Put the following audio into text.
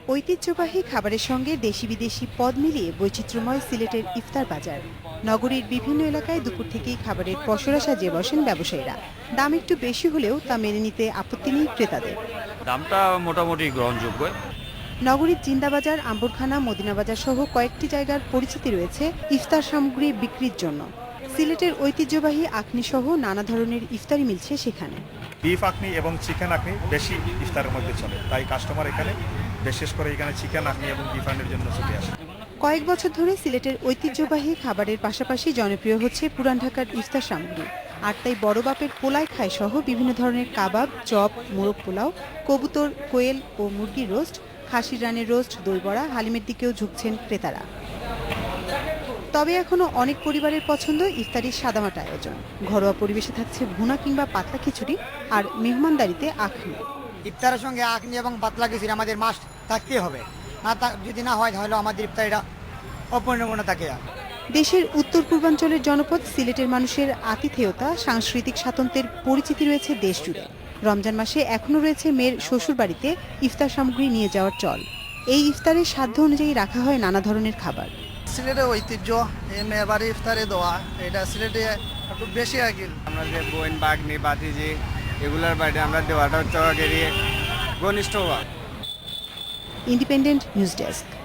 ঐতিহ্যবাহী খাবারের সঙ্গে দেশি বিদেশি পদ মিলিয়ে বৈচিত্র্যময় সিলেটের ইফতার বাজার। নগরীর বিভিন্ন এলাকায় দুপুর থেকেই খাবারের পসরা সাজিয়ে বসেন ব্যবসায়ীরা। দাম একটু বেশি হলেও তা মেনে নিতে আপত্তি নেই ক্রেতাদের। দামটা মোটামুটি গ্রহণযোগ্য। নগরীর জিন্দাবাজার, আম্বরখানা, মদিনাবাজার সহ কয়েকটি জায়গার পরিচিতি রয়েছে ইফতার সামগ্রী বিক্রির জন্য। সিলেটের ঐতিহ্যবাহী আখনি সহ নানা ধরনের ইফতারি মিলছে সেখানে। বিফ আখনি এবং চিকেন আখনি বেশি ইফতারের মধ্যে চলে, তাই কাস্টমার এখানে বিশেষ করে এখানে চিকেন আখনি এবং বিফ আখনির জন্য চলে আসে। কয়েক বছর ধরে সিলেটের ঐতিহ্যবাহী খাবারের পাশাপাশি জনপ্রিয় হচ্ছে পুরান ঢাকার ইফতার সামগ্রী। আর তাই বড় বাপের পোলায় খায় সহ বিভিন্ন ধরনের কাবাব, চপ, মোরগ পোলাও, কবুতর, কোয়েল ও মুরগির রোস্ট, খাসির রানের রোস্ট, দই বড়া, হালিমের দিকেও ঝুঁকছেন ক্রেতারা। তবে এখনো অনেক পরিবারের পছন্দ ইফতারির সাদামাটা আয়োজন। ঘরোয়া পরিবেশে থাকছে ভুনা কিংবা পাতলা খিচুড়ি, আর মেহমানদারিতে আখনি। ইফতারের সঙ্গে আখনি এবং পাতলা খিচুড়ি আমাদের মাস্ট থাকতেই হবে, যদি না হয় তাহলে আমাদের ইফতারিটা অপূর্ণপূর্ণ থাকে। দেশের উত্তর পূর্বাঞ্চলের জনপদ সিলেটের মানুষের আতিথেয়তা, সাংস্কৃতিক স্বাতন্ত্র্যের পরিচিতি রয়েছে দেশ জুড়ে। রমজান মাসে এখনও রয়েছে মেয়ের শ্বশুরবাড়িতে ইফতার সামগ্রী নিয়ে যাওয়ার চল। এই ইফতারের সাধ্য অনুযায়ী রাখা হয় নানা ধরনের খাবার। সিলেটের ঐতিহ্য এই মেয়ের বাড়ি ইফতারে দেওয়া, এটা সিলেটে একটু বেশি আগিল। আমরা যে বোন বাগনি বাতিজি এগুলোর বাড়ি আমরা দেওয়াটা হচ্ছে ঘনিষ্ঠ হওয়া। Independent news desk.